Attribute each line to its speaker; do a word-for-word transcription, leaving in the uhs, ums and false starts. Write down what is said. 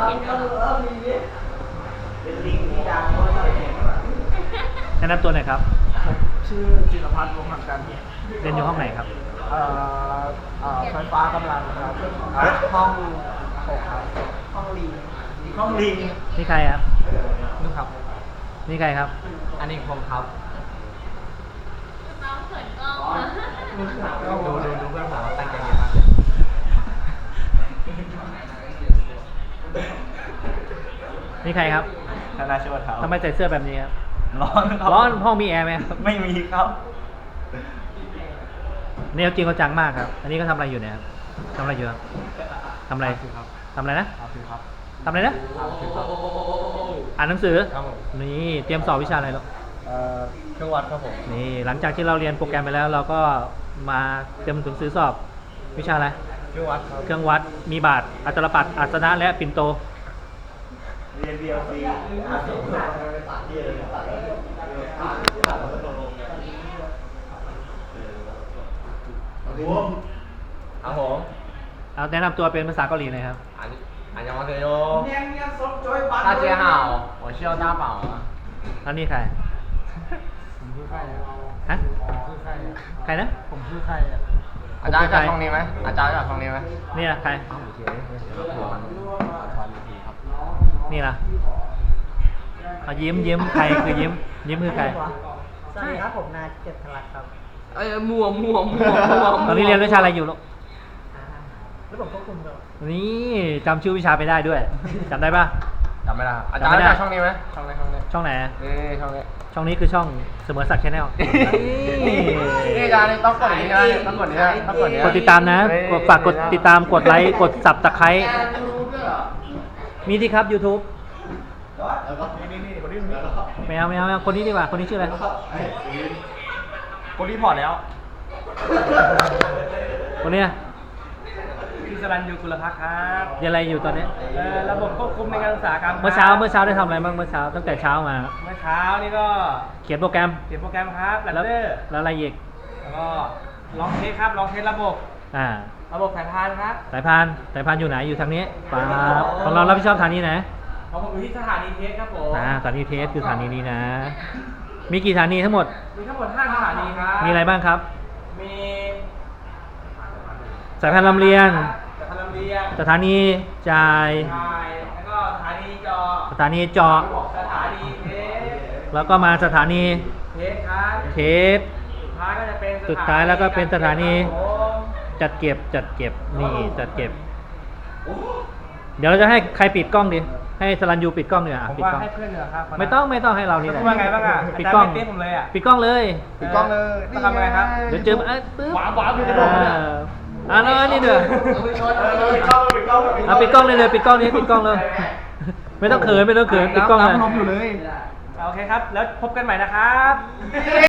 Speaker 1: เป็นลิงที่ดังเพราะว่าเห็นว่า
Speaker 2: แนะนำตัวหน่อยครับ
Speaker 1: ชื่อจิรพัฒน์วงศ์หังกัน
Speaker 2: เรียนอยู่ห้องไหนครับ
Speaker 1: เอ่อเอ่อไฟฟ้ากำลังครับห้องหกครับห้องลิงห้องลิง
Speaker 2: นี่ใครครับ
Speaker 1: นึกครับ
Speaker 2: นี่ใครครับ
Speaker 1: อันนี้ผมครับ
Speaker 3: น้องเขินกล้องนะ
Speaker 1: ดูดูดูเพื่อนผมตั้งใจเรียนมาก
Speaker 2: นี่ใครครับ
Speaker 1: ธนาชวดครับ
Speaker 2: ทำไมใส่เสื้อแบบนี้ครับ
Speaker 1: ร้อนครับ
Speaker 2: ร้อนห้องมีแอร์ไหมครับ
Speaker 1: ไม่มีครับ
Speaker 2: แนวจริงเขาจังมากครับ อันนี้ก็ทำอะไรอยู่เนี่ยครับทำอะไรอยู่ครับทำอะไร
Speaker 1: ครับ
Speaker 2: ทำอะไรนะ
Speaker 1: ครับครับ
Speaker 2: ทำอะไรนะ
Speaker 1: ครับ
Speaker 2: อ่านหนังสือ
Speaker 1: ครับผม
Speaker 2: นี่เตรียมสอบวิชาอะไรลูก
Speaker 1: เอ่อเครื่องวัดครับผม
Speaker 2: นี่หลังจากที่เราเรียนโปรแกรมไปแล้ว เราก็มาเตรียมหนังสือสอบวิชาอะไร
Speaker 1: เครื่องวัดครับ
Speaker 2: เครื่องวัด มีบาท อัตรปัดอัศนะและปิ่นโต
Speaker 1: เรียนเดียวฟรีอาสมเรียนครับผม
Speaker 2: เอาแนะนำตัวเป็นภาษาเกาหลีหน่อยครับ
Speaker 4: 안안녕하세요
Speaker 1: 大
Speaker 4: 大家好我是大宝啊
Speaker 2: แล้วนี่ใคร
Speaker 1: ผมชื่อใครอ่ะ
Speaker 2: ฮะ
Speaker 1: ผมชื่อใครอ่ะ
Speaker 2: ใครนะ
Speaker 1: ผมชื่อใครอ่ะ
Speaker 4: อาจารย์รู้จักช่องนี้ไหมอาจารย์รู้จักช่องนี้ไหม
Speaker 2: เนี่ยใคร นี่ล่ะเอายิ้มยิ้มใครคือยิ้ม ยิ้มคือใคร
Speaker 1: สวัสดีครับผมนายเจ็ดพลักครับ
Speaker 4: เอ้ยมั่วมั่วมั่วมั่ว
Speaker 2: ตอนนี้เรียนวิชาอะไรอยู่ลูก
Speaker 1: แล้วผมควบคุมด้วย
Speaker 2: นี่จำชื่อวิชาไปได้ด้วยจำได้ปะ
Speaker 4: จำไม่ได้อาจารย์รู้จักช่องนี้ไหมช่องนี้ช่องนี้
Speaker 2: ช่องไหน
Speaker 4: นี่ช่องนี้
Speaker 2: ช่องนี้คือช่องเสมอศักดิ์ชาแนล
Speaker 4: นี่อาจารย์นี่ต้องกดอย่างนี้นะต้องกดอย่างนี้นะต้องกดอย่างนี้
Speaker 2: กดติดตามนะกดฝากกดติดตาม กดไลค์ กดสับตะไคร้มีที่ครับ YouTube ไม่เอาไม่เอาไม่เอาคนนี้ดีกว่า คนนี้ชื่ออะไร
Speaker 1: คนรีพอร์ตแล้ว
Speaker 2: คนเนี้ย
Speaker 1: พี่สรัญยูกุลภักครับ
Speaker 2: เรียนอะไรอยู่ตอนนี้
Speaker 1: เอ่อระบบควบคุมในการศึกษาครับ
Speaker 2: เมื่อเช้าเมื่อเช้าได้ทำอะไรบ้างเมื่อเช้าตั้งแต่เช้ามา
Speaker 1: เมื่อเช้านี่ก็
Speaker 2: เขียนโปรแกรม
Speaker 1: เขียนโปรแกรมครับแลน
Speaker 2: แล้ว
Speaker 1: เดอร์
Speaker 2: แล้วอะไรอีก
Speaker 1: แล้วก็ลองเทสครับลองเทสระบบ
Speaker 2: อ่า
Speaker 1: ระบบสายพานครับ
Speaker 2: สายพานสายพานอยู่ไหนอยู่ทางนี้ปั๊บของเรารับผิดชอบทางนี้นะ
Speaker 1: ของผมอยู่ที่สถานีเทสครับผม
Speaker 2: อ่าสถานีเทสคือสถานีนี้นะ มีกี่สถานีทั้งหมด
Speaker 1: มีทั้งหมดห้าสถานีครับ
Speaker 2: มีอะไรบ้างครับ
Speaker 1: มี
Speaker 2: สายพานลำเลียง
Speaker 1: สถานีลำเลียง
Speaker 2: สถานีจ่าย
Speaker 1: ใช่แล้วก็สถานีจอ
Speaker 2: สถานีเจาะ
Speaker 1: สถานีเทส
Speaker 2: แล้วก็มาสถานี
Speaker 1: เทสครับ
Speaker 2: เทส
Speaker 1: สุดท้ายก็จะเป็น
Speaker 2: สุดท้ายแล้วก็เป็นสถานี
Speaker 1: ครับผม
Speaker 2: จัดเก็บจัดเก็บนี่จัดเก็บ เดี๋ยวเราจะให้ใครปิดกล้องดีให้สรัญยูปิดกล้องดีกว่า
Speaker 1: ผม
Speaker 2: ปิด
Speaker 1: ว่าก
Speaker 2: ล้อง
Speaker 1: ให้เพื่อนเหรอครับ
Speaker 2: ไม่ต้องไม่ต้องให้เรานี่แหละ
Speaker 1: พูดว่าไงบ้างอ่ะ
Speaker 2: ปิดกล้อง
Speaker 1: าจารย์ไม่เต้นผมเลยอ่ะ
Speaker 2: ปิดกล้องเลย
Speaker 4: ปิดกล้องเลย
Speaker 1: ต้องทำอะไรครับ
Speaker 2: เดี๋ยวเจอเอ้ยปึ๊บ
Speaker 1: หวานหวานอยู่ใน
Speaker 2: อ่
Speaker 1: โดมเนี่ย
Speaker 2: าอ่าแล้วอันนี่เด้อ
Speaker 1: ปิดกล้องปิดกล้อง
Speaker 2: เอาปิดกล้องเลยเลยปิดกล้องนี้ปิดกล้องเลย ไม่ต้องเขินไม่ต้องเขินปิดกล้องเลย
Speaker 1: น้ำลมอยู่เลยโอเคครับ แล้วพบกันใหม่นะครับ